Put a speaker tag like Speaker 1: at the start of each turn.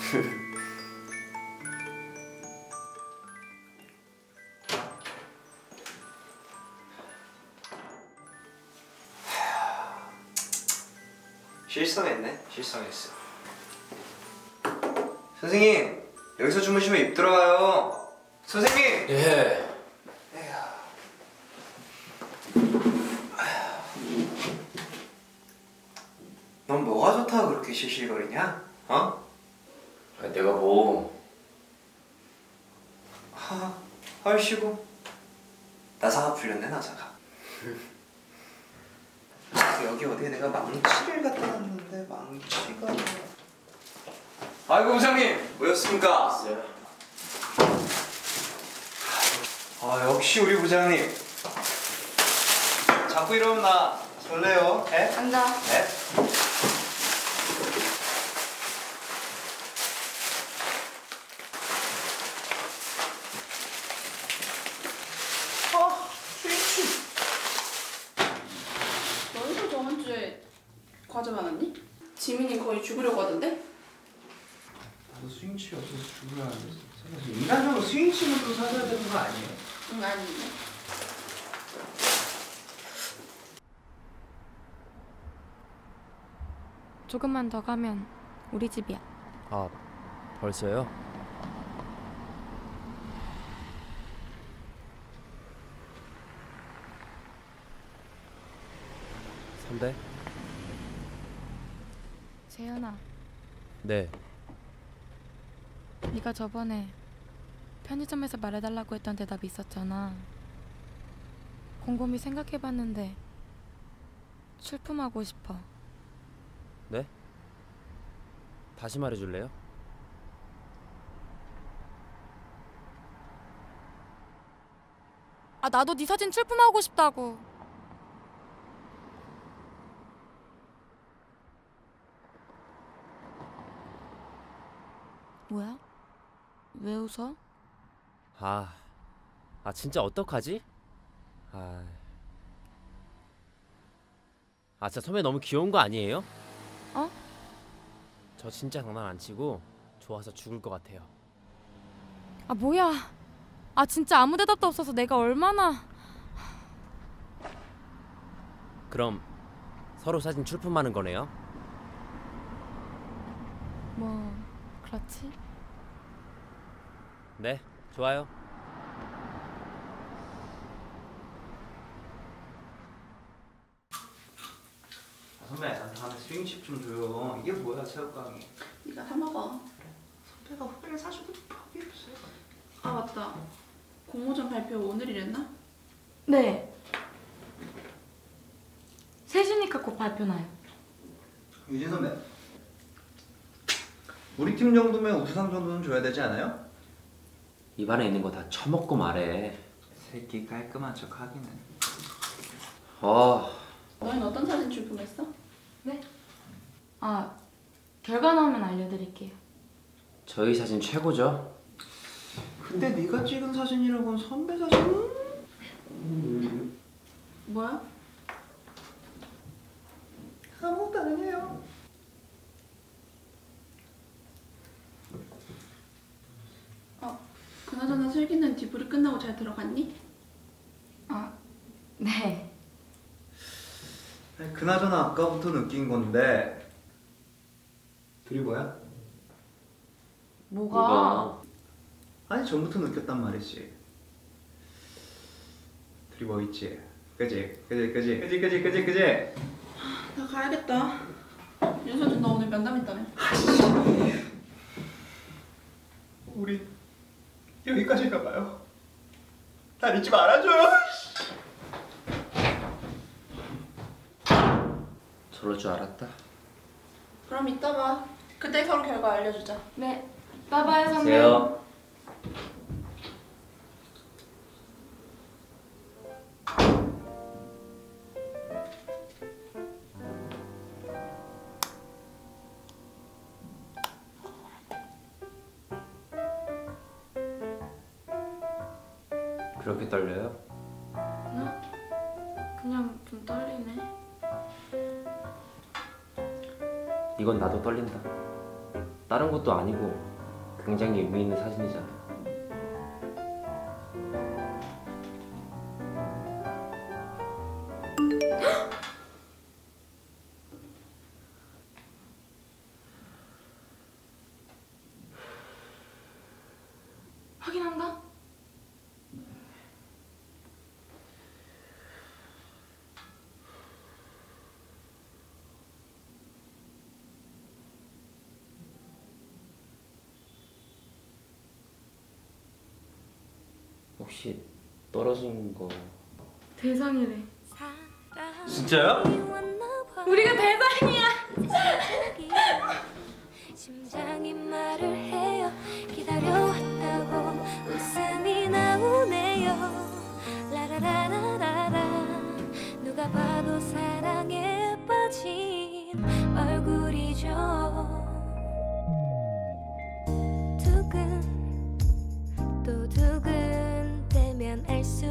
Speaker 1: 실성했어. 선생님, 여기서 주무시면 입 들어가요. 선생님!
Speaker 2: 예.
Speaker 1: 넌 뭐가 좋다고 그렇게 실실거리냐? 어?
Speaker 2: 아니, 내가 뭐...
Speaker 1: 헐시고 나사가 풀렸네, 나사가. 여기 어디에 내가 망치를 갖다 놨는데 망치가... 아이고 부장님, 뭐였습니까? 역시 우리 부장님. 자꾸 이러면 나 설레요. 에?
Speaker 3: 앉아.
Speaker 1: 네?
Speaker 3: 스위치. 너희도 저번 주에 과제 많았니? 지민이 거의 죽으려고 하던데?
Speaker 1: 나도 스윙치 없어서 죽으려 하는데 인간적으로 스윙치는 또 사줘야 되는 거 아니에요?
Speaker 3: 응, 아니네.
Speaker 4: 조금만 더 가면 우리 집이야.
Speaker 2: 아, 벌써요? 선배?
Speaker 4: 재현아,
Speaker 2: 네.
Speaker 4: 네가 저번에 편의점에서 말해달라고 했던 대답이 있었잖아. 곰곰이 생각해봤는데 출품하고 싶어.
Speaker 2: 네? 다시 말해줄래요?
Speaker 4: 나도 네 사진 출품하고 싶다고. 뭐야? 왜 웃어?
Speaker 2: 진짜 어떡하지? 진짜 선배 너무 귀여운 거 아니에요?
Speaker 4: 어?
Speaker 2: 저 진짜 장난 안 치고 좋아서 죽을 것 같아요.
Speaker 4: 뭐야? 진짜 아무 대답도 없어서 내가 얼마나...
Speaker 2: 그럼 서로 사진 출품하는 거네요?
Speaker 4: 뭐... 그렇지?
Speaker 2: 네, 좋아요.
Speaker 1: 선배, 나한테 스윙칩 좀 줘요. 이게 뭐야, 새우깡이.
Speaker 3: 네가 사 먹어.
Speaker 1: 선배가 후배를 사주고 포기했어요.
Speaker 3: 맞다. 공모전 발표 오늘이랬나?
Speaker 4: 네. 3시니까 곧 발표나요.
Speaker 1: 유진 선배, 우리 팀 정도면 우수상 정도는 줘야 되지 않아요?
Speaker 2: 입안에 있는 거 다 처먹고 말해.
Speaker 1: 새끼 깔끔한 척 하기는.
Speaker 3: 너희는 어떤 사진 출품했어?
Speaker 4: 네? 결과 나오면 알려드릴게요.
Speaker 2: 저희 사진 최고죠?
Speaker 1: 근데 네가 찍은 사진이라고는 선배 사진은?
Speaker 3: 뭐야?
Speaker 1: 아무것도 아니에요.
Speaker 3: 그나저나 슬기는 디브리 끝나고 잘 들어갔니?
Speaker 4: 네.
Speaker 1: 아니, 그나저나 아까부터 느낀 건데 둘이 뭐야?
Speaker 4: 뭐가?
Speaker 1: 아니 전부터 느꼈단 말이지. 둘이 뭐 있지? 그지?
Speaker 3: 나 가야겠다. 윤서준 너 오늘 면담 있다며?
Speaker 1: 우리 여기까지 가봐요. 날 잊지 말아줘요.
Speaker 2: 저럴 줄 알았다.
Speaker 3: 그럼 이따 봐. 그때 서로 결과 알려주자.
Speaker 4: 네. 빠바요 선배.
Speaker 2: 안녕하세요. 그렇게 떨려요?
Speaker 4: 그냥 좀 떨리네.
Speaker 2: 이건 나도 떨린다. 다른 것도 아니고 굉장히 의미 있는 사진이잖아.
Speaker 4: 확인한다.
Speaker 2: 혹시 떨어진 거
Speaker 4: 대상이래.
Speaker 2: 진짜요?
Speaker 4: 우리가 대상이야.
Speaker 5: 심장이 말을 해요. 기다려왔다고 웃음이 나오네요. 라라라라라라. 누가 봐도 사랑에 빠진 얼굴이죠. 두근 또 두근대면 알 수